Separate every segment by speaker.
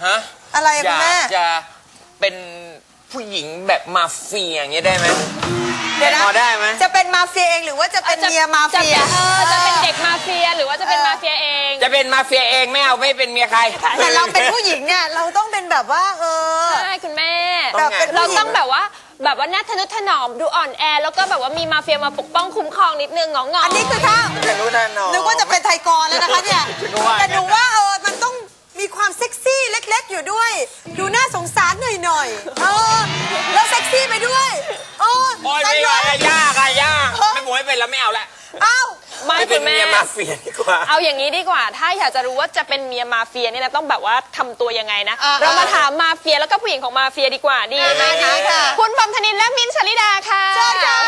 Speaker 1: ฮะ
Speaker 2: อะไรคุณแม่
Speaker 1: อยากจะเป็นผู้หญิงแบบมาเฟียอย่างเงี้ยได้ไหมพอได้ไหม
Speaker 2: จะเป็นมาเฟียเองหรือว่าจะเป็นเมียมาเฟีย
Speaker 3: จะเป็นเด็กมาเฟียหรือว่าจะเป็นมาเฟียเอง
Speaker 1: จะเป็นมาเฟียเองไม่เอาไม่เป็นเมียใคร
Speaker 2: แต่เราเป็นผู้หญิงเนี่ยเราต้องเป็นแบบว่า
Speaker 3: ใช่คุณแม่
Speaker 2: เรา
Speaker 3: ต้องแบบว่าน่าทะนุถนอมดูอ่อนแอแล้วก็แบบว่ามีมาเฟียมาปกป้องคุ้มครองนิดนึงงอ
Speaker 2: อันนี้คือถ้านึกว่าจะเป็นไทยกรแล้วนะคะเนี่ยแต่หนูว่ามันต้องมีความเซ็กซี่เล็กๆอยู่ด้วยดูน่าสงสารหน่อยแล้วเซ็กซี่ไปด้วย
Speaker 1: โอ้ยไม่ยากไม่หมวยเป็นแล้วไม่เอาละ
Speaker 3: ไม่
Speaker 1: เป็นเมียมาเฟียดีกว่า
Speaker 3: เอาอย่างนี้ดีกว่าถ้าอยากจะรู้ว่าจะเป็นเมียมาเฟียเนี่ยนะต้องแบบว่าทำตัวยังไงนะเรามาถามมาเฟียแล้วก็ผู้หญิงของมาเฟียดีกว่าดีไหมคะคุณบอมธนินและมิ้นท์ชลิดาค่ะ
Speaker 2: เชิญค่ะ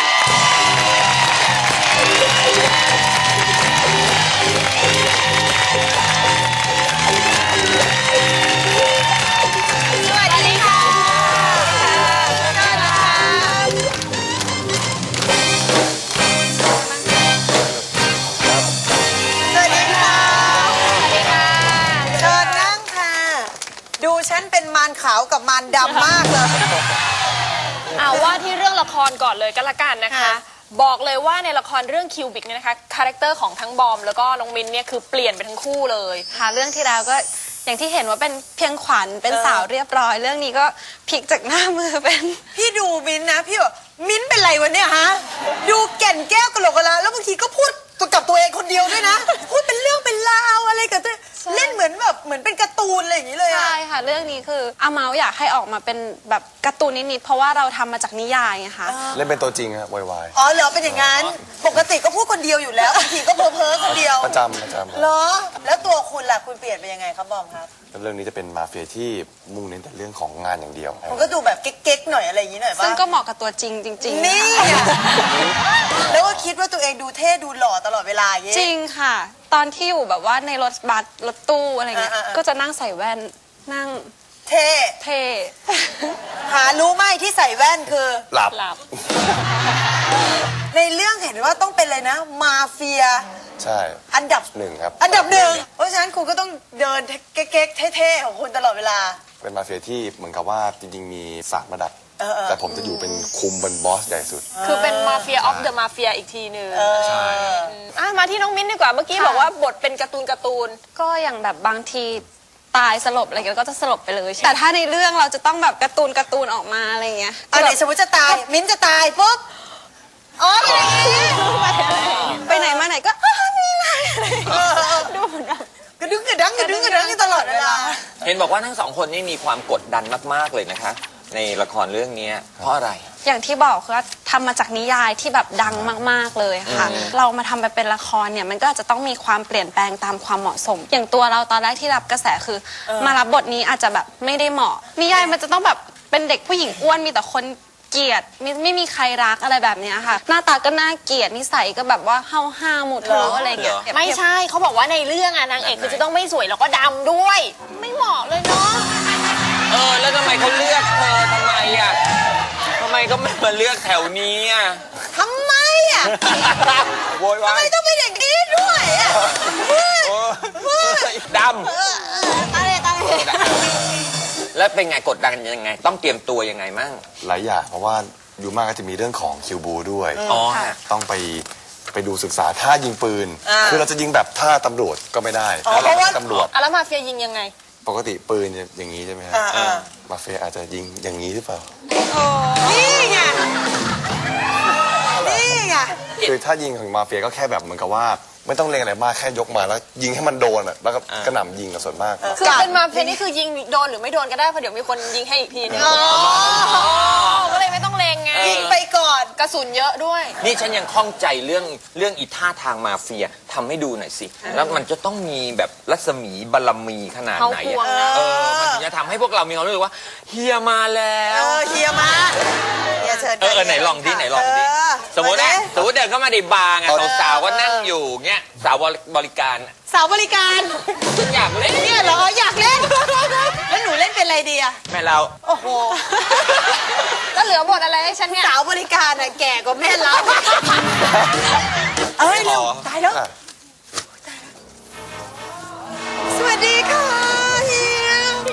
Speaker 2: ฉันเป็นมารขาวกับมารดำมากเลย
Speaker 3: เอาว่าที่เรื่องละครก่อนเลยก็แล้วกันนะคะบอกเลยว่าในละครเรื่องคิวบิกเนี่ยนะคะคาแรคเตอร์ของทั้งบอมแล้วก็น้องมินเนี่ยคือเปลี่ยนไปทั้งคู่เลย
Speaker 4: ค่ะเรื่องที่แล้วก็อย่างที่เห็นว่าเป็นเพียงขวัญเป็นสาวเรียบร้อยเรื่องนี้ก็พลิกจากหน้ามือเป็น
Speaker 2: พี่ดูมินนะพี่บอกมินเป็นไรวะเนี่ยฮะดูแก่นแก้วกะโหลกกะลาแล้วบางทีก็พูดกับตัวเองคนเดียวด้วยนะพูดเป็นเรื่องเป็นราวอะไรกับตัวเล่นเหมือนเป็นการ์ตูนอะไรอย่างนี้เลย
Speaker 4: ใช่ค่ะเรื่องนี้คืออาเมาอยากให้ออกมาเป็นแบบการ์ตูนนิดๆเพราะว่าเราทำมาจากนิยายไงคะ
Speaker 5: เล่นเป็นตัวจริงครับวาย
Speaker 2: อ๋อเหรอเป็นอย่างนั้นปกติก็พูดคนเดียวอยู่แล้วบางทีก็เพ้อคนเดียว
Speaker 5: ประจำ
Speaker 2: เหรอแล้วตัวคุณล่ะคุณเปลี่ยนไปยังไงครับบอมครับ
Speaker 5: เรื่องนี้จะเป็นมาเฟียที่มุ่งเน้นแต่เรื่องของงานอย่างเดียว
Speaker 2: มันก็ดูแบบเก๊กๆหน่อยอะไรอย่างนี้หน่อยป่ะ
Speaker 4: ซึ่งก็เหมาะกับตัวจริงจริง
Speaker 2: นี่แล้วก็คิดว่าตัวเองดูเท่ดูหล่อตลอดเวลาอย่างนี้
Speaker 4: จริงค่ะตอนที่อยู่แบบว่าในรถบัสรถตู้อะไรเงี้ยก็จะนั่งใส่แว่นนั่ง
Speaker 2: เท่หารู้ไหมที่ใส่แว่นคือ
Speaker 5: หลับ
Speaker 2: ในเรื่องเห็นว่าต้องเป็นเลยนะมาเฟีย
Speaker 5: ใช่
Speaker 2: อันดับ
Speaker 5: 1ครับ
Speaker 2: อันดับ1เพราะฉะนั้นคุณก็ต้องเดินเก๊กๆเท่ๆของคุณตลอดเวลา
Speaker 5: เป็นมาเฟียที่เหมือนกับว่าจริงๆมี3 ระดับแต่ผมจะอยู่เป็นคุมเป็นบอสใหญ่สุด
Speaker 3: คือเป็นมาเฟียออฟเดอะมาเฟียอีกทีหนึ่งใช่มาที่น้องมิ้นดีกว่าเมื่อกี้บอกว่าบทเป็นการ์ตูน
Speaker 4: ก็อย่างแบบบางทีตายสลบอะไรเงี้ยก็จะสลบไปเลยแต่ถ้าในเรื่องเราจะต้องแบบการ์ตูนออกมาอะไรเงี้ย
Speaker 2: ไหนสมมติจะตายมิ้นจะตายปุ๊บ
Speaker 4: ไปไหนมาไหนก็มีอะไรดูเหมือนแบบ
Speaker 2: กระดึ๊งตลอดเวลา
Speaker 1: เห็นบอกว่าทั้ง2 คนนี่มีความกดดันมากๆเลยนะคะในละครเรื่องนี้เพราะอะไร
Speaker 4: อย่างที่บอกคือทำมาจากนิยายที่แบบดังมากๆเลยค่ะเรามาทำไปเป็นละครเนี่ยมันก็จะต้องมีความเปลี่ยนแปลงตามความเหมาะสมอย่างตัวเราตอนแรกที่รับกระแสคือมารับบทนี้อาจจะแบบไม่ได้เหมาะนิยายมันจะต้องแบบเป็นเด็กผู้หญิงอ้วนมีแต่คนเกลียดไม่มีใครรักอะไรแบบนี้ค่ะหน้าตาก็น่าเกลียดนิสัยก็แบบว่าห้าวหมดทุกอะไรเงี้ย
Speaker 3: ไม่ใช่เขาบอกว่าในเรื่องนางเอกคือจะต้องไม่สวยแล้วก็ดำด้วยไม่เหมาะเลยเนาะ
Speaker 1: แล้วทำไมเขาเลือกเธอทำไมก็ไม่มาเลือกแถวนี้
Speaker 2: ทำไม
Speaker 1: โวยวาย
Speaker 2: ทำไมต้องเป็นอย่างนี้ด้วย
Speaker 1: ดำแล้วเป็นไงกดดันยังไงต้องเตรียมตัวยังไงมั่ง
Speaker 5: หลายอย่างเพราะว่าอยู่มากก็จะมีเรื่องของคิวบูด้วยต้องไปดูศึกษาท่ายิงปืนคือเราจะยิงแบบท่าตำรวจก็ไม่ได้
Speaker 2: เพราะว่า
Speaker 5: ตำรวจ
Speaker 3: แล้วมาเฟียยิงยังไง
Speaker 5: ปกติปืนอย่างนี้ใช่ไหมครับมาเฟียอาจจะยิงอย่างนี้หรือเปล่า
Speaker 2: นี่ไง
Speaker 5: คือถ้ายิงของมาเฟียก็แค่แบบเหมือนกับว่าไม่ต้องเล็งอะไรมากแค่ยกมาแล้วยิงให้มันโดนแล้วก็กระหน่ำยิงกับส่วนมาก
Speaker 3: คือเป็นมาเฟียนี่คือยิงโดนหรือไม่โดนก็ได้เพราะเดี๋ยวมีคนยิงให้อีกทีนึงก็เลยไม่ต้องเลงไง
Speaker 2: ยิงไปก่อน
Speaker 3: กระสุนเยอะด้วย
Speaker 1: นี่ฉันยังข้องใจเรื่องอีท่าทางมาเฟียทำให้ดูหน่อยสิแล้วมันจะต้องมีแบบรัศมีบารมีขนาดไหนมันถึงจะทำให้พวกเรามีความรู้สึกว่าเฮียมาแล้ว
Speaker 2: เฮียมาเฮียเชิญ
Speaker 1: ไหนลองดิสมมติเดินเข้ามาในบาร์สาวๆก็นั่งอยู่เงี้ยสาวบริการอยากเล่น
Speaker 2: เนี่ยเหรออยากเล่นแล้วหนูเล่นเป็นอะไรดีอะ
Speaker 1: แม่เรา
Speaker 2: โอ้โห
Speaker 3: แล้วเหลือบทอะไรให้ฉันเนี่ย
Speaker 2: สาวบริการอะแก่กว่าแม่เราเร็วตายแล้วสวัสดีค่ะเฮีย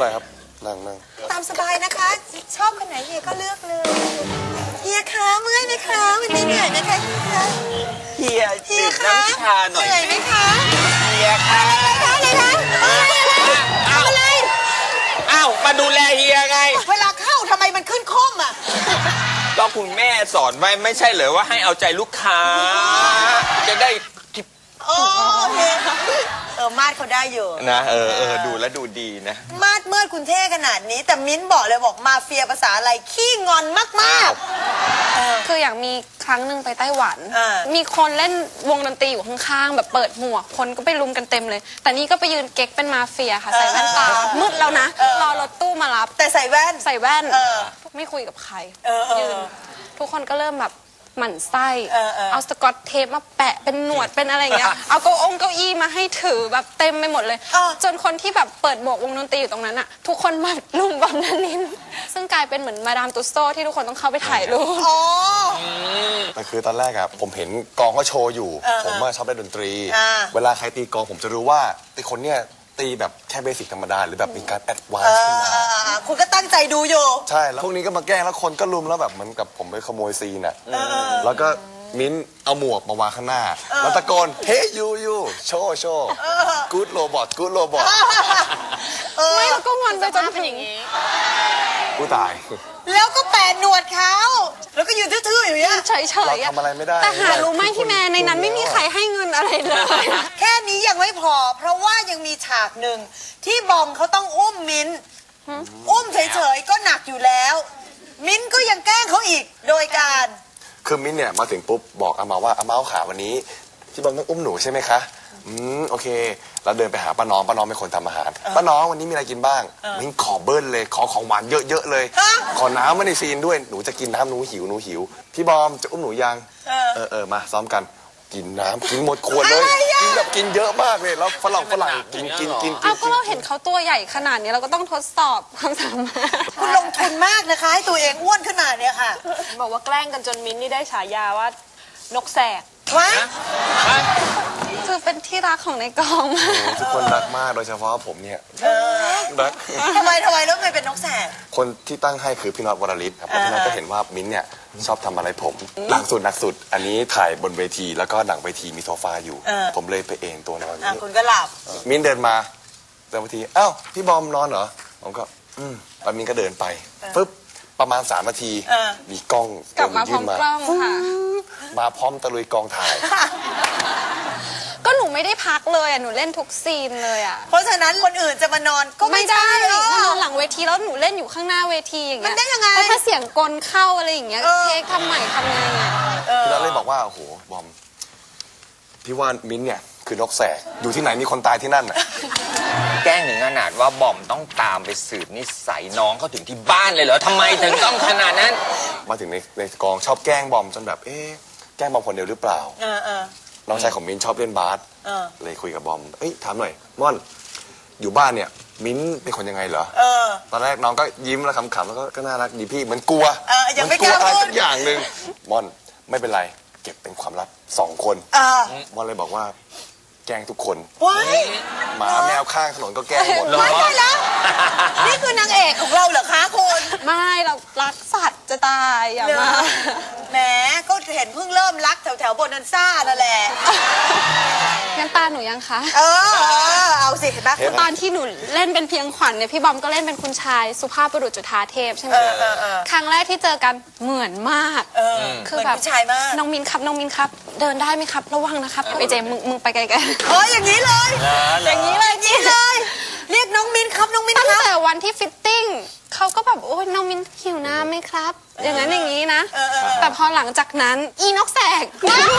Speaker 5: ไรครับนั่ง
Speaker 2: ตามสบายนะคะ ชอบคนไหนเฮียก็เลือกเลยเฮียคะเมื่อยไหมคะวันนี้เหนื่อยไหมคะเฮีย
Speaker 1: เฮีย
Speaker 2: เฮีย
Speaker 1: ดื่ม
Speaker 2: คะ
Speaker 1: น้ำชาหน่อย
Speaker 2: เหนื่อยไหมคะ
Speaker 1: เฮียค่ะ
Speaker 2: อะไรคะอะไร
Speaker 1: อ้าวมาดูแลเฮียไง
Speaker 2: เวลาเข้าทำไมมันขึ้นคมอ่ะ
Speaker 1: ก็คุณแม่สอนไว้ไม่ใช่เหรอว่าให้เอาใจลูกค้า จะได้ทิป
Speaker 2: โอเคมาดเขาได้อยู่
Speaker 1: นะดูแล้วดูดีนะ
Speaker 2: มาดเมื่อคุณเท่ขนาดนี้ แต่มิ้นบอกเลยบอกมาเฟียภาษาอะไรขี้งอนมากๆ
Speaker 4: คืออย่างมีครั้งหนึ่งไปไต้หวัน
Speaker 2: อ่า
Speaker 4: มีคนเล่นวงดนตรีอยู่ข้างๆแบบเปิดหมวกคนก็ไปรุมกันเต็มเลย แต่นี่ก็ไปยืนเก๊กเป็นมาเฟียค่ะ ใส่แว่นตา มืดแล้วนะ รอรถตู้มารับ
Speaker 2: แต่ใส่แว่น
Speaker 4: ใส่แว่น
Speaker 2: อ
Speaker 4: ไม่คุยกับใคร
Speaker 2: ยื
Speaker 4: ยืน ทุกคนก็เริ่มแบบหมั่นไส้
Speaker 2: เออ
Speaker 4: เอาสกอตเทปมาแปะเป็นหนวดเป็นอะไรอย่างเงี้ย เอาเก้าอี้มาให้ถือแบบเต็มไปหมดเลย จนคนที่แบบเปิดหมวกวงดนตรีอยู่ตรงนั้นอะทุกคนมาลุมบอมนันนิน ซึ่งกลายเป็นเหมือนมาดามตุสโตที่ทุกคนต้องเข้าไปถ่ายรูป
Speaker 2: อ๋อ
Speaker 5: แต่คือตอนแรกอะผมเห็นกองก็โชว์อยู่ ผมว่าชอบเล่นดนตรี เวลาใครตีกองผมจะรู้ว่าไอ้คนเนี้ยตีแบบแค่เบสิกธรรมดาหรือแบบมีการแอดวานซ์ขึ้นมา
Speaker 2: คุณก็ตั้งใจดูอยู่
Speaker 5: ใช่แล้วพวกนี้ก็มาแกล้งแล้วคนก็ลุมแล้วแบบเหมือนกับผมไปขโมยซีนอะแล้วก็มิ้นเอาหมวกมาวางข้างหน้า แล้วตะโกนเฮ้ยยูโชว์กู๊ดโรบอท
Speaker 4: ไม่แล้วก็งอนไปจน
Speaker 3: เป็น
Speaker 4: ถึ
Speaker 3: อย่าง งนี้
Speaker 5: กูตาย
Speaker 2: แล้วก็แปะหนวดเขาแล้วก็ยืนทื่อๆอยู่เนี่ย
Speaker 4: เฉยๆ
Speaker 5: เรา
Speaker 4: อะ
Speaker 5: ทำอะไรไม่ได้
Speaker 4: แต่หารู้ไหมพี่แม่ในนั้นไม่มีใครให้เงินอะไรเลย
Speaker 2: แค่นี้ยังไม่พอ เพราะว่ายังมีฉากหนึ่งที่บอมเขาต้องอุ้มมิ้น อุ้มเฉยๆก็หนักอยู่แล้ว มิ้นก็ยังแกล้งเขาอีกโดยการ
Speaker 5: คือมิ้นเนี่ยมาถึงปุ๊บบอกอามาว่าอามาเอาขาวันนี้ที่บอมต้องอุ้มหนูใช่ไหมคะโอเคเราเดินไปหาป้าน้องเป็นคนทำอาหารป้าน้องวันนี้มีอะไรกินบ้างมิ้นขอเบิ้ลเลยขอของหวานเยอะๆเลย
Speaker 2: ฮะ
Speaker 5: ขอน้ำมาในซีนด้วยหนูจะกินน้ำหนูหิวพี่บอมจะอุ้มหนูยังมาซ้อมกันกินน้ำกินหมดขวดเลยกินแบบกินเยอะมากเลยแล้วฝรั่งกิน
Speaker 4: เอาก็เราเห็นเขาตัวใหญ่ขนาดนี้เราก็ต้องทดสอบความสามารถ
Speaker 2: คุณลงทุนมากนะคะ ให้ตัวเองอ้วนขนาดเนี้ยค่ะ
Speaker 3: บอกว่าแกล้งกันจนมิ้นท์นี่ได้ฉายาว่านกแสก
Speaker 2: ว้า
Speaker 4: คือเป็นที่รักของในกองมาก
Speaker 5: ทุกคนรักมากโดยเฉพาะผมเนี่ยรัก
Speaker 2: ทำไมแล้วไม่เป็นนกแสก
Speaker 5: คนที่ตั้งให้คือพี่น็อตวรลิศครับเพราะพี่น็อตก็เห็นว่ามิ้นท์เนี่ยชอบทำอะไรผมหนักสุด อันนี้ถ่ายบนเวทีแล้วก็หลังเวทีมีโซฟาอยู่ ผมเลยไปเอนตัวนอน
Speaker 2: คุณก็หลับ
Speaker 5: มิ้นท์เดินมาเวทีอ้าวพี่บอมนอนเหรอผมก็แล้วมิ้นท์ก็เดินไปปึ๊บประมาณ3 นาทีมีกล้อง
Speaker 4: กลับมาพร้อมกล้องค่ะ
Speaker 5: มาพร้อมตะลุยกองถ่าย
Speaker 4: ก็หนูไม่ได้พักเลยอ่ะหนูเล่นทุกซีนเลยอ่ะ
Speaker 2: เพราะฉะนั้นคนอื่นจะมานอนก็ไม่
Speaker 4: ไม่ได้
Speaker 2: หร
Speaker 4: มานอ
Speaker 2: อน
Speaker 4: หลังเวทีแล้วหนูเล่นอยู่ข้างหน้าเวทีอย่างเงี้ย
Speaker 2: มันได้ยังไง
Speaker 4: เพราะถ้าเสียงกลเข้าอะไรอย่างเงี้ยเทคทำใหม่ทำไงอ่ะ
Speaker 5: พี่น็อตเลยบอกว่าโอ้โหบอมพี่ว่ามิ้นท์เนี่ยคือนกแสกอยู่ที่ไหนมีคนตายที่นั่นน่ะ
Speaker 1: แกล้งถึงขนาดว่าบอมต้องตามไปสืบนิสัยน้องเขาถึงที่บ้านเลยเหรอทำไมถึงต้องขนาดนั้น
Speaker 5: มาถึงในกองชอบแกล้งบอมจนแบบแกล้งบอมคนเดียวหรือเปล่า น้องชายของมิ้นท์ชอบเล่นบาสเลยคุยกับบอมถามหน่อยม่อนอยู่บ้านเนี่ยมิ้นท์เป็นคนยังไงเหรอตอนแรกน้องก็ยิ้มแล้วขำๆแล้วก็น่ารักดีพี่เหมือนกลัว
Speaker 2: ยัง
Speaker 5: เห
Speaker 2: ไม่
Speaker 5: มือน
Speaker 2: ก
Speaker 5: กลัว
Speaker 2: ล้า
Speaker 5: อะไร
Speaker 2: พูด
Speaker 5: สักอย่างหนึ่งม่อนไม่เป็นไรเก็บเป็นความลับ2 คนม่อนเลยบอกว่าแกล้งทุกคน
Speaker 2: ว้าย
Speaker 5: หมาแมวข้างถนนก็แกล้งหมด
Speaker 1: เหรอ
Speaker 2: ว้ายได้แล้ว นี่คือนางเอกของเราเหรอคะคุณ
Speaker 4: ไม่เรารักสัตว์จะตายอย่ามา
Speaker 2: แหมก็เห็นเพิ่งเริ่มรักแถวโบนันซ่านั่นแหละ
Speaker 4: งั้นตาหนูยังคะ
Speaker 2: เอาสิเห็นไหม
Speaker 4: ตอนที่หนูเล่นเป็นเพียงขวัญเนี่ยพี่บอมก็เล่นเป็นคุณชายสุภาพบุรุษจุฑาเทพใช่ไหมครั้งแรกที่เจอกันเหมือนมาก
Speaker 2: คือแบบผู้ชายมาก
Speaker 4: น้องมินครับน้องมินครับ เดินได้ไหมครับ ระวังนะครับไอเจมึงไปไกลๆ
Speaker 2: อย่างนี้เลย อย่างนี้เลยอย่างนี้เลย เรียกน้องมินครับน้องมิน
Speaker 4: ตั้ง
Speaker 2: ครับ
Speaker 4: แต่วันที่ฟิตติ้งเขาก็แบบโอ้ยน้องมินหิวน้ำไหมครับ อย่างนั้นอย่างนี้นะ แต่พอหลังจากนั้นอีนกแสก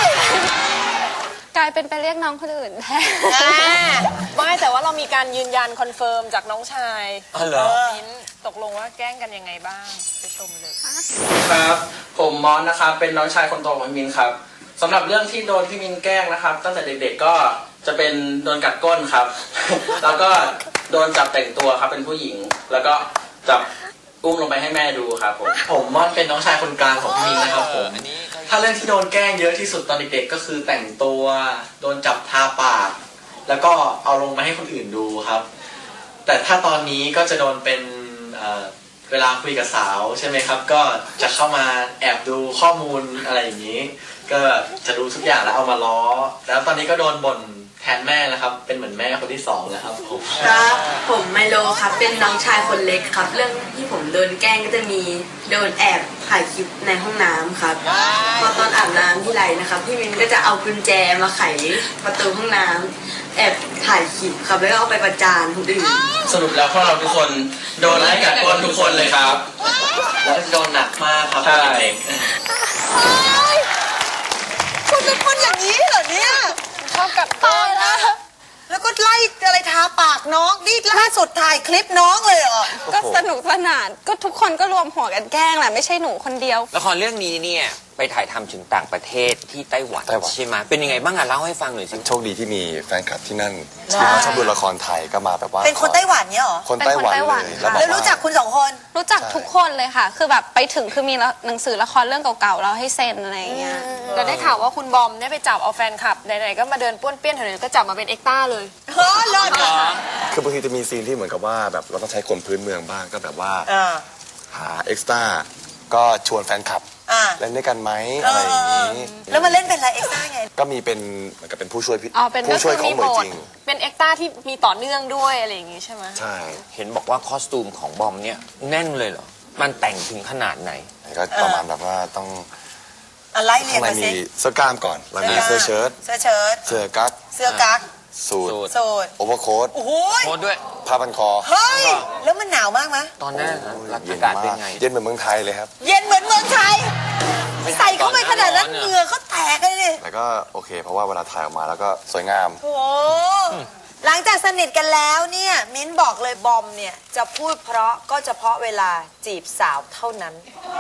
Speaker 4: กลายเป็นไปเรียกน้องคนอื่นแทน
Speaker 3: ไม่แต่ว่าเรามีการยืนยันคอนเฟิร์มจากน้องชาย
Speaker 1: อ๋อเหรอ
Speaker 3: มิ้นท์ตกลงว่าแกล้งกันยังไงบ้างไปชมเลย
Speaker 6: ครับผมมอนนะครับเป็นน้องชายคนโตของพี่มินครับสำหรับเรื่องที่โดนพี่มินแกล้งนะครับตั้งแต่เด็กๆก็จะเป็นโดนกัดก้นครับ แล้วก็โดนจับแต่งตัวครับเป็นผู้หญิง แล้วก็จับอุ้มลงไปให้แม่ดูครับผมมอนเป็นน้องชายคนกลางของพี่มินนะครับผมถ้าเรื่องที่โดนแกล้งเยอะที่สุดตอนเด็กๆก็คือแต่งตัวโดนจับทาปากแล้วก็เอาลงมาให้คนอื่นดูครับแต่ถ้าตอนนี้ก็จะโดนเป็นเวลาคุยกับสาวใช่ไหมครับ ก็จะเข้ามาแอบดูข้อมูลอะไรอย่างนี้ ก็จะรู้ทุกอย่างแล้วเอามาล้อ แล้วตอนนี้ก็โดนบ่นแทนแม่แล้วครับ เป็นเหมือนแม่คนที่สองแล้วครับผม
Speaker 7: ครับผมไมโลครับเป็นน้องชายคนเล็กครับ เรื่องที่ผมโดนแกล้งก็จะมีโดนแอบถ่ายคลิปในห้องน้ำครับพอตอนอาบน้ำที่ไรนะครับพี่มินก็จะเอากุญแจมาไขประตูห้องน้ำแอบถ่ายคลิปครับแล้วก็เอาไปประจานคนอื่น
Speaker 6: สรุปแล้วพวกเราทุกคนโดนไล่กัดก้นทุกคนเลยครับ แล้วโดนหนักมากครับเด็ก
Speaker 2: คุณเป็นคนอย่างนี้เหรอเนี่ย
Speaker 3: ชอบกัดต้นนะ
Speaker 2: แล้วก็ไล่อะไรทาปากน้องนี่ล่าสุดถ่ายคลิปน้องเลยเหรอ
Speaker 4: ก็สนุกสนานก็ทุกคนก็รวมหัวกันแกล้งแหละไม่ใช่หนูคนเดียว
Speaker 1: ละครเรื่องนี้เนี่ยไปถ่ายทำถึงต่างประเทศที่ไต้หวัน
Speaker 5: ไต้หวัน
Speaker 1: ใช่ไหมเป็นยังไงบ้างอะเล่าให้ฟังหน่อยสิ
Speaker 5: โชคดีที่มีแฟนคลับที่นั่นที่เขาชอบดูละครไทยก็มาแบบว่า
Speaker 2: เป็นคนไต้หวันเนี่ยเหรอ
Speaker 5: คนไต้หวัน
Speaker 4: เป็นคนไต้หวัน
Speaker 5: เลย
Speaker 4: ค่ะ
Speaker 5: แล้วบอก
Speaker 2: แล้วรู้จัก
Speaker 5: ว่า
Speaker 2: คุณสองคน
Speaker 4: รู้จักทุกคนเลยค่ะ คือแบบไปถึงคือมีหนังสือละครเรื่องเก่าๆเราให้เซ็นอะไรอย่างเงี้ย
Speaker 3: เราได้ข่าวว่าคุณบอมเนี่ยไปจับเอาแฟนคลับไหนๆก็มาเดินป้วนเปี้ยนแถวนี้ก็จับมาเป็นเอ็กต้าเลย
Speaker 2: เฮ้อเลิศอ่ะ
Speaker 5: คือบางทีจะมีซีนที่เหมือนกับว่าแบบเราต้องใช้คนพื้นเมืองบ้างก็แบบว่า
Speaker 2: อ่า
Speaker 5: หาเอ็กซ์ตร้าก็ชวนแฟนคลับ
Speaker 2: อ่า
Speaker 5: เล่นด้วยกันไหมอะไรอย่างนี้
Speaker 2: แล้วมาเล่นเป็นอะไรเอ็กซ์ต้าไง
Speaker 5: ก็มีเป็นเหมือนกับเป็นผู้ช่วยพี่
Speaker 4: อ๋อเป็น
Speaker 5: ผู้ช่วยของเหมยจริง
Speaker 3: เป็นเอ็กต้าที่มีต่อเนื่องด้วยอะไรอย่างงี้ใช่ไหม
Speaker 5: ใช่
Speaker 1: เห็นบอกว่าคอสตูมของบอมเนี่ยแน่นเลยเหรอมันแต่งถึงขนาดไหน
Speaker 5: ก็ประมาณแบบว่าต้อง
Speaker 2: อะไรเรีย
Speaker 5: ข้าง
Speaker 2: น
Speaker 5: ใน
Speaker 2: มา
Speaker 5: มี
Speaker 2: สิ
Speaker 5: เสื้อกล้ามก่อนแล้วมีเสื้อเชิ้ต
Speaker 2: เสื้อเชิ้ต
Speaker 5: เสื้อกั๊ก
Speaker 2: เสื้อกั๊ก
Speaker 5: สูท
Speaker 2: สูท
Speaker 5: โอเวอร์โค้ท
Speaker 2: โอ้โห
Speaker 1: โค้ดด้วย
Speaker 5: ผ้าพันคอ
Speaker 2: เฮ้ย แล้วมันหนาวมากไหม
Speaker 1: ตอนนั้นรัก
Speaker 5: เย็
Speaker 1: อาน กาศเป็น
Speaker 5: มาก
Speaker 1: ไง
Speaker 5: เย็นเหมือนเมืองไทยเลยครับ
Speaker 2: เย็นเหมือนเมืองไทย ใส่เข้าไปขนาดนั้นเหงื่อเขาแตกเลยดิ
Speaker 5: แต่ก็โอเค เพราะว่าเวลาถ่ายออกมาแล้วก็สวยงาม
Speaker 2: โอ้โหหลังจากสนิทกันแล้วเนี่ย มิ้นบอกเลยบอมเนี่ย จะพูดเพราะก็เฉพาะเวลาจีบสาวเท่านั้น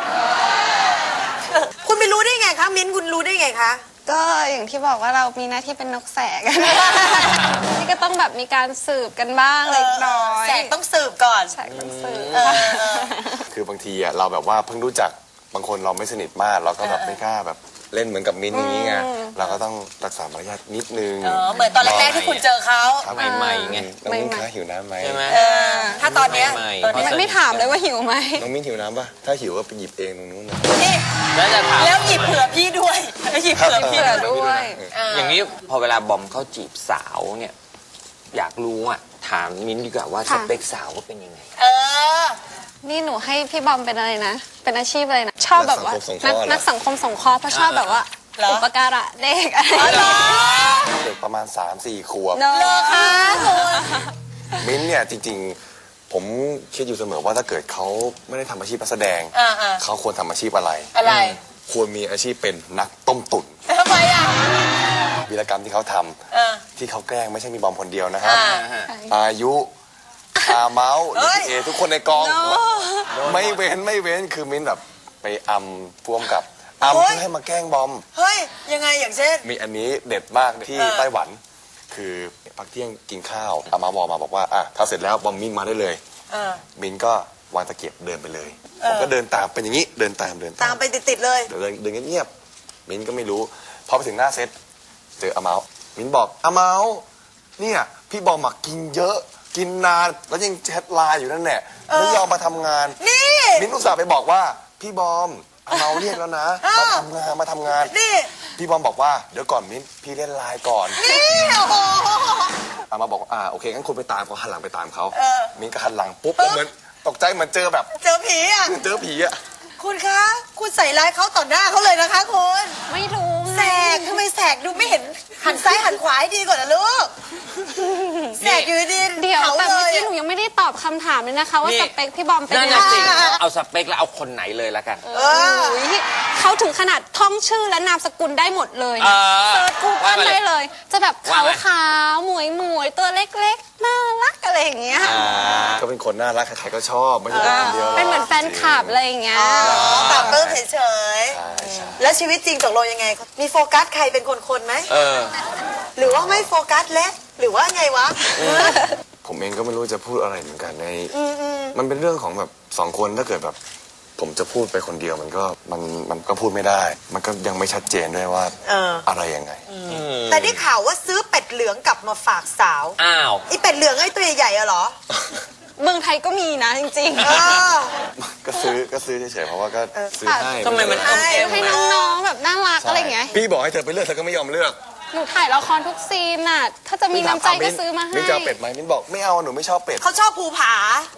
Speaker 2: คุณไปรู้ได้ไงคะ มิ้นคุณรู้ได้ไงคะ
Speaker 4: ก็อย่างที่บอกว่าเรามีหน้าที่เป็นนกแสก นี่ก็ต้องแบบมีการสืบกันบ้างเล็กน้อย
Speaker 2: แสกต้องสืบก่อน
Speaker 4: แสกต้องสืบ
Speaker 5: คือบางทีอ่ะเราแบบว่าเพิ่งรู้จักบางคนเราไม่สนิทมากเราก็แบบไม่กล้าแบบเล่นเหมือนกับมิ้นท์อย่างนี้ไงเราก็ต้องรักษามารยาทนิดนึง
Speaker 2: เหมือนตอนแรกๆที่คุณเจอเขา
Speaker 5: ครับ
Speaker 1: ใหม่ๆไง
Speaker 5: น้องมิ้นท์คะหิวน้ำไหม
Speaker 1: ใช่ไหม
Speaker 2: ถ้าตอนเนี้ย
Speaker 1: ใหม่ๆ
Speaker 2: ตอนเนี้ย
Speaker 4: ไม่ถามเลยว่าหิวไหม
Speaker 5: น้องมิ้นท์หิวน้ำปะถ้าหิวก็ไปหยิบเองตรงนู้นนะ
Speaker 2: นี่
Speaker 1: แล้วจะถาม
Speaker 2: แล้วหยิบเผื่อพี่ด้วยหยิบเผื่อพี่
Speaker 4: เผื่อด้วย
Speaker 1: อย่างนี้พอเวลาบอมเขาจีบสาวเนี่ยอยากรู้อ่ะถามมิ้นท์ดีกว่าว่าส
Speaker 4: ค่ะ
Speaker 1: เปคสาวว่าเป็นยังไง
Speaker 2: เออ
Speaker 4: นี่หนูให้พี่บอมเป็นอะไรนะ เป็นอาชีพอะไรนะ ชอบแบบว่านักสังคมสงเคราะห์เพราะชอบแบบว่า
Speaker 2: เหรอ
Speaker 4: อุปการะเด็กอะไรอย่างเงี้ย
Speaker 5: เด็กประมาณ 3-4 ขวบ
Speaker 4: เนอะ
Speaker 2: คะคุณ
Speaker 5: มิ้นท์เนี่ยจริงๆ ผมคิดอยู่เสมอว่าถ้าเกิดเขาไม่ได้ทำอาชีพนักแสดง
Speaker 2: อ่า
Speaker 5: เขาควรทำอาชีพอะไร
Speaker 2: อะไร
Speaker 5: ควรมีอาชีพเป็นนักต้มตุ๋น
Speaker 2: ทำไมอ่ะ
Speaker 5: วีรกรรมที่เขาทำ
Speaker 2: เออ
Speaker 5: ที่เขาแกล้งไม่ใช่มีบอมคนเดียวนะครับ
Speaker 2: อ่า
Speaker 5: อายุอาเมาส์ห
Speaker 2: เฮ้
Speaker 5: รือย พี่เอทุกคนในกอง ไม่เว้นคือมิ้นแบบไปอำพ่วงกับอำ
Speaker 2: โอ๊ย
Speaker 5: เพื่อให้มาแกล้งบอม
Speaker 2: เฮ้ย ยังไงอย่างเช่น
Speaker 5: มีอันนี้เด็ดมากที่ไต้หวัน คือพักเที่ยงกินข้าวอามาบอกว่าอ่ะถ้าเสร็จแล้วบอมมิ้นมาได้เลย
Speaker 2: เออ
Speaker 5: มิ้นก็วางตะเกียบเดินไปเลยผมก็เดินตามเป็นอย่างนี้เดินตาม
Speaker 2: ตามไปติดๆเลย
Speaker 5: เดินเงียบๆมิ้นก็ไม่รู้พอไปถึงหน้าเซตเจออาเมามิ้นบอกอาเมาเนี่ยพี่บอมมากินเยอะกินนานแล้วยังแชทไลน์อยู่นั่นแหละไม่ยอมมาทำงาน
Speaker 2: นี่
Speaker 5: มิ้นอุตส่าห์ไปบอกว่าพี่บอมอาเมาเรียกแล้วนะมาทำงาน
Speaker 2: นี่
Speaker 5: พี่บอมบอกว่าเดี๋ยวก่อนมิ้นพี่เล่นไลน์ก่อน
Speaker 2: นี่โอ้โห
Speaker 5: อามาบอกโอเคงั้นคุณไปตามเขาหันหลังไปตามเขา
Speaker 2: เออ
Speaker 5: มิ้นก็หันหลังปุ๊บแล้วเหมือนตกใจเหมือนเจอแบบ
Speaker 2: เจอผีอ่ะ
Speaker 5: เจอผีอะ
Speaker 2: คุณคะ คุณใส่ร้ายเขาต่อหน้าเขาเลยนะคะคุณ
Speaker 4: ไม่รู้
Speaker 2: แสกทำไมแสกดูไม่เห็นหันซ้ายหันขวาให้ดีก่อนนะลูก แสกอยู่ดี
Speaker 4: เดี๋ยว
Speaker 2: เขา
Speaker 4: แต่
Speaker 2: เล
Speaker 4: เมื่อย กี้หนูยังไม่ได้ตอบคำถามเลยนะคะ ว่า
Speaker 1: นี่
Speaker 4: สเปคพี่บอมเป็น
Speaker 1: นั่น
Speaker 4: ยัง
Speaker 1: น่ะ
Speaker 4: ไง
Speaker 1: สิเอาสเปคแล้วเอาคนไหนเลยละกัน
Speaker 2: เออ
Speaker 4: โอ้ยเขาถึงขนาดท่องชื่อและนามสกุลได้หมดเลย
Speaker 1: เอ
Speaker 4: นะ
Speaker 1: อ
Speaker 4: เซิร์ชกูเกิ
Speaker 1: ว่า
Speaker 4: ล
Speaker 1: มาเล
Speaker 4: ได้
Speaker 1: ย
Speaker 4: เลย จะแบบ
Speaker 1: ว่า
Speaker 4: ขาว
Speaker 1: มา
Speaker 4: ขาวๆหมวยหมวยๆตัวเล็กๆ น่ารักอะไรอย่างเงี้ย
Speaker 5: ก็เป็นคนน่ารักใครๆก็ชอบไม่ใช่แต่คนเดียวหรอก
Speaker 4: เป็นเหมือนแฟนคลับอะไรอย่างเงี้ย
Speaker 2: ปรับเพิ่มเฉย
Speaker 5: ใช่ใช่
Speaker 2: ๆ แล้วชีวิตจริงตกลงยังไง มีโฟกัสใครเป็นคนๆไหม
Speaker 1: เออ
Speaker 2: หรือว่าไม่โฟกัสแล้วหรือว่าไงวะ
Speaker 5: ผมเองก็ไม่รู้จะพูดอะไรเหมือนกันในมันเป็นเรื่องของแบบสองคนถ้าเกิดแบบ ผมจะพูดไปคนเดียวมันก็พูดไม่ได้ มันก็ยังไม่ชัดเจนด้วยว่า
Speaker 2: เออ
Speaker 5: อะไรยังไง
Speaker 2: แต่ได้ข่าวว่าซื้อเป็ดเหลืองกลับมาฝากสาว
Speaker 1: อ้าว
Speaker 2: ไอเป็ดเหลืองไอตัวใหญ่ๆอะเหรอ
Speaker 4: เมืองไทยก็มีนะจริง
Speaker 2: เออ
Speaker 5: ก็ซื้อเฉยๆเพราะว่าก็ซื้อให้
Speaker 1: ทำไมมันอ้อมแอม
Speaker 4: ๆ ให้น้องๆแบบน่ารักอะไรอย่างเงี้ย
Speaker 5: พี่บอกให้เธอไปเลือกเธอก็ไม่ยอมเลือก
Speaker 4: หนูถ่ายละครทุกซีนน่ะ ถ้าจะมีน้ำใจก็ซื้อมาให้
Speaker 5: มิ้นจะเอาเป็ดไหมมิ้นบอกไม่เอาหนูไม่ชอบเป็ด
Speaker 2: เขาชอบภูผา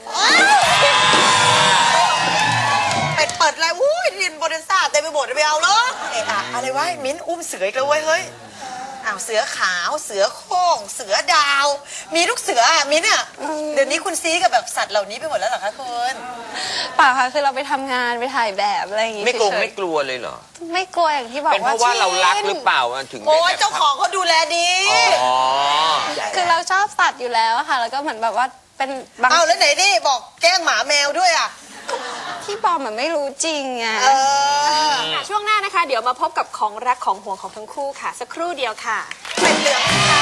Speaker 2: เป็ดเปิดอะไรอุ้ยเรียนโบเดนซ่าเต็มไปหมดไม่เอาเหรอเอะอะอะไรวะมิ้นอุ้มเสืออีกแล้วเว้ยเฮ้ยอ้าวเสือขาวเสือโคร่งเสือดาว มีลูกเสืออะมิ้นอะเดี๋ยวนี้คุณซีกับแบบสัตว์เหล่านี้ไปหมดแล้วเหรอคะคุณ
Speaker 4: เปล่าค่ะคือเราไปทำงานไปถ่ายแบบอะไรอย่างงี้
Speaker 1: ไม่กลัว
Speaker 4: เฉยๆ
Speaker 1: ไม่กลัวเลยเหรอ
Speaker 4: ไม่กลัวอย่างที่บอก
Speaker 1: เป็นเพ
Speaker 4: ว่า
Speaker 1: ราะว่าเรารักหรือเปล่ามันถึงได้
Speaker 2: โอ้ย
Speaker 1: แบบ
Speaker 2: เจ้าของเขาดูแลดี
Speaker 1: อ๋อ
Speaker 4: คือเราชอบสัตว์อยู่แล้วอะค่ะ แล้วก็เหมือนแบบว่าเป็นบาง
Speaker 2: เอาแล้วไหนนี่บอกแกล้งหมาแมวด้วยอะ
Speaker 4: ที่บอมมันไม่รู้จริงไง
Speaker 2: เออ
Speaker 3: ค่ะช่วงหน้านะคะ เดี๋ยวมาพบกับของรักของห่วงของทั้งคู่ค่ะ สักครู่เดียวค่ะ
Speaker 2: เป็ดเหลืองค่ะ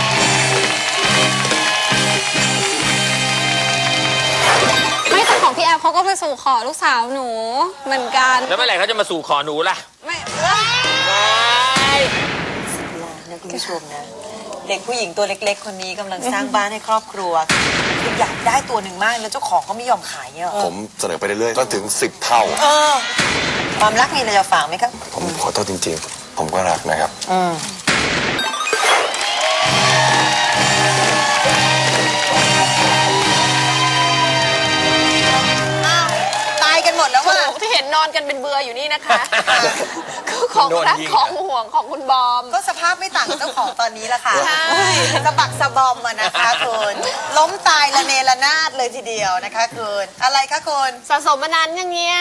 Speaker 4: ไม่แต่ของพี่แอฟเขาก็ไปสู่ขอลูกสาวหนูเหมือนกัน
Speaker 1: แล้วเมื่อไหร่เขาจะมาสู่ขอหนูล่ะ
Speaker 4: ไม่
Speaker 2: นะคุณผู้ชมนะ เด็กผู้หญิงตัวเล็กๆ คนนี้กำลังสร้างบ้านให้ครอบครัวคืออยากได้ตัวหนึ่งมากแล้วเจ้าของก็ไม่ยอมขายเนี่ยเหรอ
Speaker 5: ผมเสนอไปเรื่อยๆจนถึง10 เท่า
Speaker 2: เออความรักมีอะไรจะฝากไหมครับ
Speaker 5: ผมขอโทษจริงๆ ผมก็รักนะครับ
Speaker 2: อ้าว ตายกันหมดแล้วว่ะ
Speaker 3: ที่เห็นนอนกันเป็นเบื่ออยู่นี่นะคะ คือของรักของห่วงของคุณบอม
Speaker 2: ก็สภาพไม่ต่างกับเจ้าของตอนนี้ละค่ะ
Speaker 3: ใช่
Speaker 2: สะบักสะบอมอะนะคะคุณล้มตายระเนระนาดเลยทีเดียวนะคะคุณอะไรคะคุณ
Speaker 3: สะสมมานานยังเงี้ย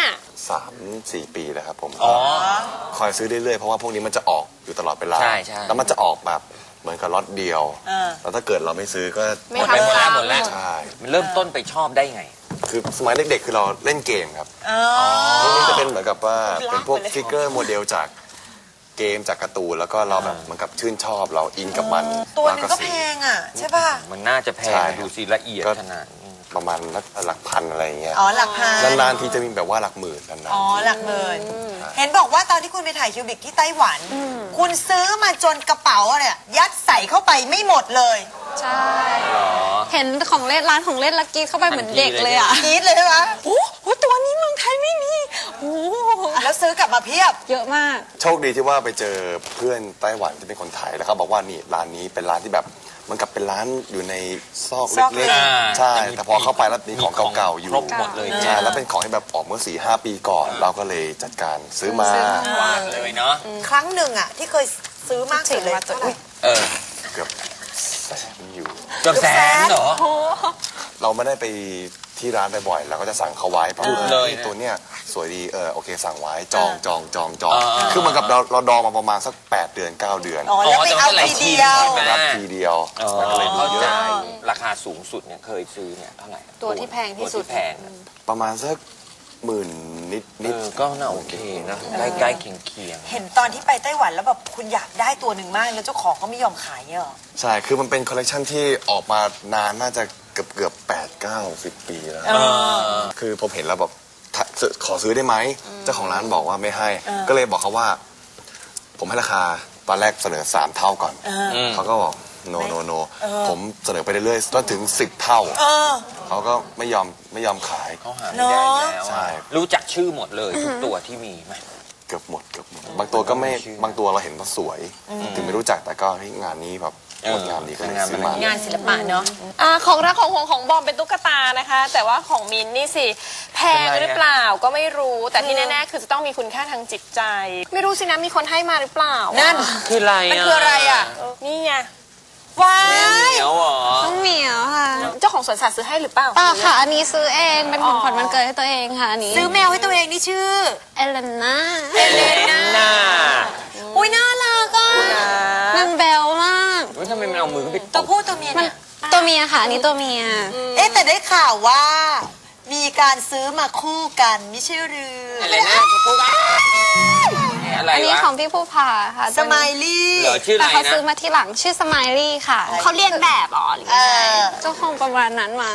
Speaker 5: 3-4 ปีแล้วครับผม
Speaker 1: อ๋อ
Speaker 5: คอยซื้อเรื่อยๆ เพราะว่าพวกนี้มันจะออกอยู่ตลอดเวลา
Speaker 1: ใช่ใช่
Speaker 5: แล้วมันจะออกแบบเหมือนกับล็อตเดียว แล้วถ้าเกิดเราไม่ซื้อก็
Speaker 3: ไม่
Speaker 1: หมดไปหมดแล้วหมดแล้ว
Speaker 5: ใช่
Speaker 1: มันเริ่มต้นไปชอบได้ไง
Speaker 5: คือสมัยเด็กๆ คือเราเล่นเกมครับพวกนี้จะเป็นเหมือนกับว่าเป็นพวกฟิกเกอร์โมเดลจากเกมจากการ์ตูนแล้วก็เราแบบเหมือนกับชื่นชอบเราอินกับมัน
Speaker 2: ตัวหนึงก็
Speaker 5: ซื้
Speaker 2: แพ
Speaker 5: อง
Speaker 2: อ่ะ ใช่ป่ะ
Speaker 1: มันน่าจะแพ
Speaker 5: ใช่
Speaker 1: ง
Speaker 5: ครับ
Speaker 1: ดูสิละเอียดขนาดนี้
Speaker 5: ประมาณหลักพันอะไรอย่างเงี้ย
Speaker 2: อ๋อหลักพัน
Speaker 5: นานๆทีจะมีแบบว่าหลักหมื่นนาน
Speaker 2: อ๋อหลักหมื่นเห็นบอกว่าตอนที่คุณไปถ่ายคิวบิกที่ไต้หวัน คุณซื้อมาจนกระเป๋าเนี่ยยัดใส่เข้าไปไม่หมดเลย
Speaker 4: ใช่ เห็นของเล่นร้านของเล่นลักกี้เข้าไปเหมือนเด็กเลยอ่ะ
Speaker 2: กรี๊ดเลยใช่ไหม
Speaker 4: โอ้โหตัวนี้เมืองไทยไม่มีโอ้โห
Speaker 2: แล้วซื้อกลับมาเพียบ
Speaker 4: เยอะมาก
Speaker 5: ๆโชคดีที่ว่าไปเจอเพื่อนไต้หวันที่เป็นคนไทยแล้วเขาบอกว่านี่ร้านนี้เป็นร้านที่แบบเหมันกับเป็นร้านอยู่ในซอก
Speaker 2: ซอกเล็
Speaker 5: เล็
Speaker 2: ก
Speaker 5: กๆใช่แต่พอเข้าไปแล้วมีของเก่าๆอยู่
Speaker 1: ครบหมดเลย
Speaker 5: ใช่แล้วเป็นของที่แบบออกเมื่อ 4-5 ปีก่อน เราก็เลยจัดการซื้อมา
Speaker 1: วางเลยเนาะ
Speaker 2: ครั้งหนึ่งอ่ะที่เคยซื้อมากสุดเลย
Speaker 4: ถึงมาตัว
Speaker 2: เท่าไหร่
Speaker 1: เออ
Speaker 5: เกือบแสนอยู่
Speaker 1: เกือบแสนเหรอ
Speaker 5: เราไม่ได้ไปที่ร้านบ่อยๆเราก็จะสั่งเขาไว้เพราะ
Speaker 1: หยุดเลยนะ
Speaker 5: ตัวเนี้ยสวยดีโอเคสั่งไว้จอง
Speaker 1: อ่า
Speaker 5: คือเหมือนกับเราดองมาประมาณสัก8 เดือน 9 เดือน
Speaker 2: อ๋อแล้วไปเอาทีเดียว
Speaker 1: ใช่ไหม
Speaker 5: รับทีเดียว
Speaker 1: อ๋อ
Speaker 5: มันก็เลยมี
Speaker 1: เข้า
Speaker 5: เย
Speaker 1: ใจ
Speaker 5: อะ
Speaker 1: ราคาสูงสุดเนี่ยเคยซื้อเนี่ยเท่าไหร่
Speaker 3: ตัวที่แพงที่สุด
Speaker 1: ตัวแพงอะ
Speaker 5: ประมาณสักหมื่นนิด
Speaker 1: ก็น่าโอเคนะใกล้ๆเคียง
Speaker 2: เห็นตอนที่ไปไต้หวันแล้วแบบคุณอยากได้ตัวหนึ่งมากแล้วเจ้าของก็ไม่ยอมขายเนี่ยเหรอ
Speaker 5: ใช่คือมันเป็นคอลเลกชันที่ออกมานานน่าจะเกือบ8-9-10 ปีแล้ว คือผมเห็นแล้วแบบถ้าขอซื้อได้ไหมเจ้าของร้านบอกว่าไม่ให้ ก็เลยบอกเขาว่า ผมให้ราคาตอนแรกเสนอ3 เท่าก่อนเขาก็บอกโนผมเสนอไปเรื่อยๆจนถึง10 เท่าเขาก็ไม่ยอมขาย
Speaker 1: เขาหาไม่ได้แล้ว
Speaker 5: ใช่
Speaker 1: อะรู้จักชื่อหมดเลยทุกตัวที่มีไหม
Speaker 5: เกือบหมดบางตัวก็ไม่
Speaker 1: ชื่อ
Speaker 5: บางตัวเราเห็นว่าสวย ถึงไม่รู้จักแต่ก็เฮ้ยงานนี้แบบงดงามดีก็เลยซื้อมา
Speaker 2: งานศิลปะเนาะ
Speaker 3: ของรักของห่วงของบอมเป็นตุ๊กตานะคะ แต่ว่าของมินนี่สิแพงหรือเปล่าก็ไม่รู้ แต่ที่แน่ๆคือจะต้องมีคุณค่าทางจิตใจ ไม่รู้สินะมีคนให้มาหรือเปล่า
Speaker 2: นั่น
Speaker 1: คืออะไร
Speaker 2: มันคืออะไรอ่ะ
Speaker 3: นี่ไง
Speaker 2: ว้า
Speaker 1: เห
Speaker 2: ย
Speaker 1: นียวเหรอ
Speaker 4: ต้องเหมียวค่ะ
Speaker 3: เจ้าของสวนสัตว์ซื้อให้หรือเปล่า
Speaker 4: เปล่าค่ะ อันนี้ซื้อเองเป็นของขวัญวันเกิดให้ตัวเองค่ะอันนี้
Speaker 2: ซื้อแมวให้ตัวเองนี่ชื่อ
Speaker 4: เอเลน่า
Speaker 1: น่า
Speaker 2: อุ้ยน่ารักอ่ะ
Speaker 4: มันแบวมาก
Speaker 1: ว่าทำไมมันเอามือขึ้นไปต
Speaker 2: ตัว
Speaker 1: บ
Speaker 2: ผู้ตัวเมีย
Speaker 4: มัน
Speaker 2: เนี่ย
Speaker 4: ตัวเมียค่ะ อันนี้ตัวเมีย
Speaker 2: เอ๊ะแต่ได้ข่าวว่า มีการซื้อมาคู่กันไม่ใช่หรือ
Speaker 1: อะไรนะเขาพูดว่าอะไร
Speaker 4: อันนี้
Speaker 1: วะ
Speaker 4: ของพี่ผู้พาค่ะ
Speaker 2: สไมลี่
Speaker 1: เหรอชื่ออะ
Speaker 4: แต่
Speaker 1: ไร
Speaker 4: เขา
Speaker 1: นะ
Speaker 4: ซื้อมาที่หลังชื่อสไมลี่ค่ะ
Speaker 3: เขาเรียนแบบเหรอหรือ
Speaker 2: เออ
Speaker 4: ก็คงประมาณนั้นมั้ง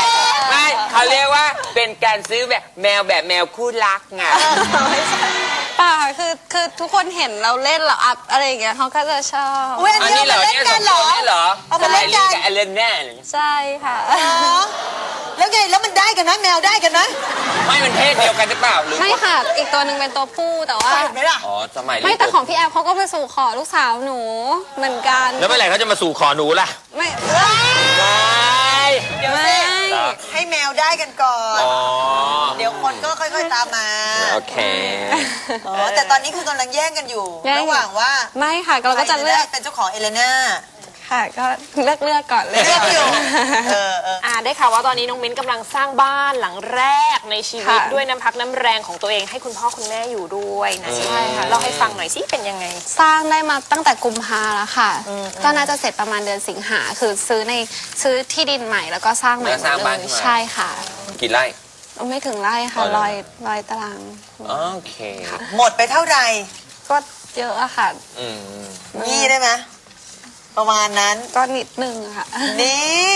Speaker 1: ไม่เขาเรียกว่าเป็นการซื้อแบบแมวคู่รักไง
Speaker 4: ป่าคือทุกคนเห็นเราเล่นเราอัพอะไรอย่างเงี้ยเขาก็จะชอบ
Speaker 2: อุ้ยอันนี้เอามาเล่นกันเหรอ
Speaker 1: นี่เหรอ
Speaker 2: เอามาเล่นกัน
Speaker 1: กับเอเลนแน่
Speaker 4: ใช่ค่ะ
Speaker 2: อ๋อแล้วไงแล้วมันได้กันนะแมวได้กันนะ
Speaker 1: ไม่มันเพศเดียวกันหรือเปล่าหรือ
Speaker 4: ไม่ค่ะ อีกตัวหนึ่งเป็นตัวผู้แต่ว่า
Speaker 2: เห็นไหมล่ะ
Speaker 1: อ๋อสมัย
Speaker 4: ไม่แต่ของพี่แอฟเขาก็ไปสู่ขอลูกสาวหนูเหมือนกัน
Speaker 1: แล้วเมื่อไหร่เขาจะมาสู่ขอหนูล่ะ
Speaker 4: ไม่
Speaker 1: ไม่
Speaker 2: เดี๋ยว
Speaker 4: ไม่
Speaker 2: สิให้แมวได้กันก่อน
Speaker 1: อ๋อ
Speaker 2: เดี๋ยวคนก็ค่อยๆตามมา
Speaker 1: โอเค
Speaker 2: อ๋อแต่ตอนนี้คือกำลังแย่งกันอยู่ ระหว่างว่า
Speaker 4: ไม่ค่ะเราก็จะเลือก
Speaker 2: ใครได้เป็นเจ้าของเอเลน่า
Speaker 4: ค่ะก็เลือกก่อนเลย
Speaker 2: เลือกอยู่เออ
Speaker 3: ได้ข่าวว่าตอนนี้น้องมิ้นกำลังสร้างบ้านหลังแรกในชีวิต
Speaker 4: ค่ะ
Speaker 3: ด้วยน้ำพักน้ำแรงของตัวเองให้คุณพ่อคุณแม่อยู่ด้วยนะใช่ค่ะเล่าให้ฟังหน่อยสิเป็นยังไง
Speaker 4: สร้างได้มาตั้งแต่กุมภาแล้วค่ะ ก็น่าจะเสร็จประมาณเดือนสิงหาคือซื้อที่ดินใหม่แล้วก็สร้างใหม่หมด
Speaker 1: แล้วสร้าง
Speaker 4: เล
Speaker 1: บ้าน
Speaker 4: ย
Speaker 1: ขึ้นมา
Speaker 4: ใช่ค่ะ
Speaker 1: กี่ไร่
Speaker 4: ไม่ถึงไร่ค่ะ
Speaker 1: อ๋อเหรอ
Speaker 4: ร้อยตาราง
Speaker 1: โอเค
Speaker 2: หมดไปเท่าไหร่
Speaker 4: ก็เยอะอะค่ะ
Speaker 1: อืม
Speaker 2: นี่ได้ไหมประมาณนั้น
Speaker 4: ก็นิดนึงอะค่ะ
Speaker 2: นี่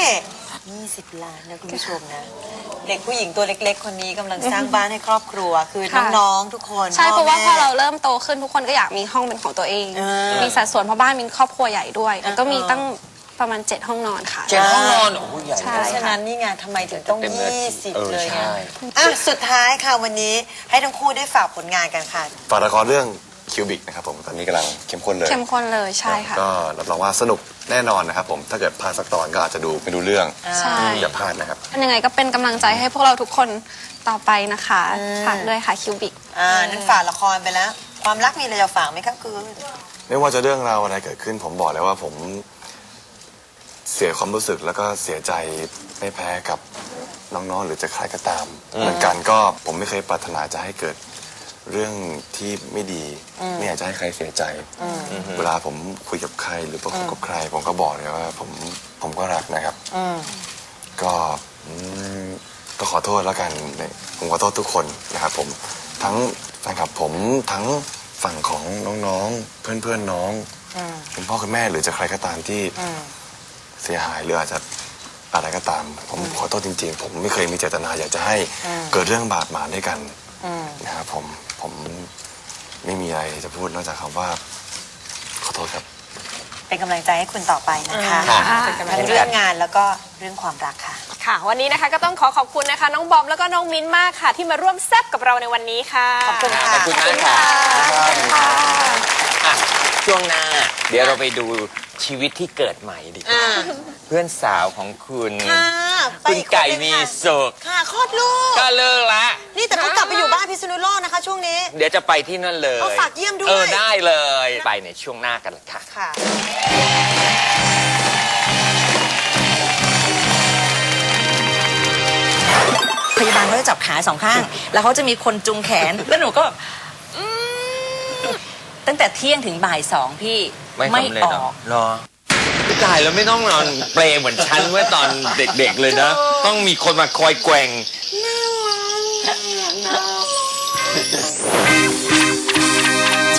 Speaker 2: 20 ล้านนะคุณผู้ชมนะ เด็กผู้หญิงตัวเล็กๆ คนนี้กำลังสร้างบ้านให้ครอบครัว คือ
Speaker 4: ค่ะ
Speaker 2: น้องๆทุกคน
Speaker 4: ใช่เพราะว่าพ
Speaker 2: แม่
Speaker 4: อเราเริ่มโตขึ้นทุกคนก็อยากมีห้องเป็นของตัวเอง มีสัดส่วนเพราะบ้านมีครอบครัวใหญ่ด้วยแล้วก็มีตั้งประมาณ7ห้องนอนค่ะ
Speaker 1: เจ็ดห้องนอนโอ้โหใหญ่
Speaker 4: ใช่
Speaker 2: เพราะฉะนั้นนี่ไงทำไมถึงต้อง
Speaker 1: เต็มเลย
Speaker 2: 20 เลย
Speaker 1: ใช่
Speaker 2: ไงอ่ะสุดท้ายค่ะวันนี้ให้ทั้งคู่ได้ฝากผลงานกันค่ะ
Speaker 5: ฝากละครเรื่องคิวบิกนะครับผมตอนนี้กำลังเข้มข้นเลย
Speaker 4: เข้มข้นเลยใช่ค่ะ
Speaker 5: ก็รับรองว่าสนุกแน่นอนนะครับผมถ้าเกิดพลาดสักตอนก็อาจจะดูไม่ดูเรื่อง
Speaker 4: ใช่
Speaker 5: อย่าพลาดนะครับ
Speaker 4: ยังไงก็เป็นกำลังใจให้พวกเราทุกคนต่อไปนะคะฝากด้วยค่ะคิวบิก
Speaker 2: นั่นฝากละครไปแล้ว ความรักมีอะไรจะฝากไหมครับคือ
Speaker 5: ไม่ว่าจะเรื่องราวอะไรเกิดขึ้นผมบอกเลยว่าผมเสียความรู้สึกแล้วก็เสียใจไม่แพ้กับน้องๆหรือจะใครก็ตาม เหมือนกันก็ผมไม่เคยปรารถนาจะให้เกิดเรื่องที่ไม่ดี ไม่อยากจะให้ใครเสียใจ เวลาผมคุยกับใครหรือประคุยกับใคร ผมก็บอกเลยว่าผมก็รักนะครับก็ก็ขอโทษแล้วกันผมขอโทษทุกคนนะครับผมทั้งแฟนคลับผมทั้งฝั่งของน้องๆเพื่อนๆน้องคุณพ่อคุณแม่หรือจะใครก็ตามที่เสียหายหรืออาจจะอะไรก็ตาม ผมขอโทษจริงๆ ผมไม่เคยมีเจตนาอยากจะให้เกิดเรื่องบาดหมางด้วยกันนะครับผมไม่มีอะไรจะพูดนอกจากคำว่าขอโทษครับ
Speaker 2: เป็นกำลังใจให้คุณต่อไปนะคะ
Speaker 1: ค่ะ
Speaker 2: ทั้งเรื่องงานแล้วก็เรื่องความรักค่ะ
Speaker 3: ค่ะ วันนี้นะคะก็ต้องขอบคุณนะคะ น้องบอมแล้วก็น้องมิ้นมากค่ะ ที่มาร่วมแซ่บกับเราในวันนี้ค่ะ
Speaker 2: ขอบคุณค่ะ
Speaker 1: ขอบคุณมากค่ะอ่ะช่วงหน้า เดี๋ยวเราไปดูชีวิตที่เกิดใหม่ดีกว่าเพื่อนสาวของคุณ
Speaker 2: ค่ะไป
Speaker 1: คุณ
Speaker 2: อีกคน
Speaker 1: ไก่
Speaker 2: หนึ่ง
Speaker 1: มี
Speaker 2: ค่ะ
Speaker 1: สุข
Speaker 2: ค่ะคลอดลูก
Speaker 1: ก็เลิกละ
Speaker 2: นี่แต่เขากลับไปอยู่บ้านพิษณุโลกนะคะ ช่วงนี้
Speaker 1: เดี๋ยวจะไปที่นั่นเลย
Speaker 2: เอาฝากเยี่ยมด้วย
Speaker 1: ได้เลย ไปในช่วงหน้ากันเลยค่ะ
Speaker 2: ค่ะ
Speaker 8: พยาบาลเขาจะจับขาสองข้าง แล้วเขาจะมีคนจุงแขน แล้วหนูก็แบบตั้งแต่เที่ยงถึงบ่ายสองพี่
Speaker 1: ไม่สำเร็จ
Speaker 8: อ
Speaker 1: เหร
Speaker 8: อ
Speaker 1: อก รอตายแล้วไม่ต้องนอนเปลเหมือนฉันเมื่อตอนเด็กๆเลยนะ ต้องมีคนมาคอยแกว่ง